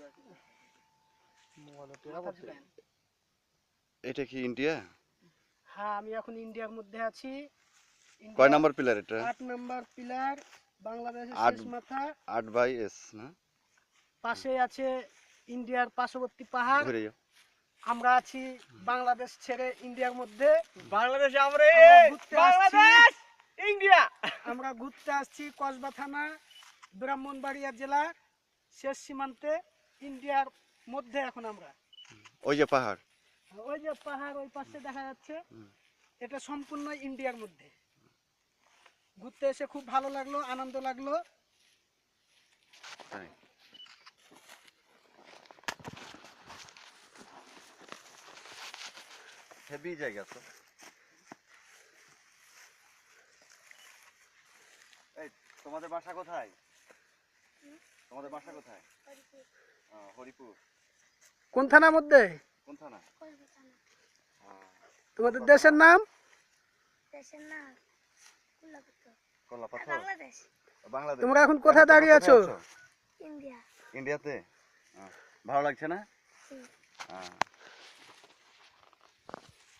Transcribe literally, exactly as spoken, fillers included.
এটা কি ইন্ডিয়া? হ্যাঁ, আমি এখন ইন্ডিয়ার মধ্যে আছি। কয় নাম্বার পিলার এটা? আট নাম্বার পিলার, বাংলাদেশের আট শেষ মাথা। আট বাই এস না? পাশে আছে ইন্ডিয়ার পার্শ্ববর্তী পাহাড়। ঘুরে যাও। আমরা আছি বাংলাদেশ ছেড়ে ইন্ডিয়ার মধ্যে। বাংলাদেশে আমরা বাংলাদেশ ইন্ডিয়া আমরা ঘুরতে আসছি কসবা থানা, ব্রাহ্মণবাড়িয়া জেলার শেষ সীমান্তে, ইন্ডিয়ার মধ্যে এখন আমরা। ওই যে পাহাড়, ওই যে পাহাড় ওই পাশে দেখা যাচ্ছে, এটা সম্পূর্ণ ইন্ডিয়ার মধ্যে। ঘুরতে এসে খুব ভালো লাগলো, আনন্দ লাগলো। হেভি জায়গা তো। এই তোমাদের বাসা কোথায়? তোমাদের বাসা কোথায়? হরিপুর। কোন থানার মধ্যে? কোন থানা? তোমাদের দেশের নাম? দেশের নাম কলাপাথর। বাংলাদেশ। বাংলাদেশ। তোমরা এখন কোথায় দাঁড়িয়ে আছো? ইন্ডিয়া। ইন্ডিয়াতে। ভালো লাগছে না?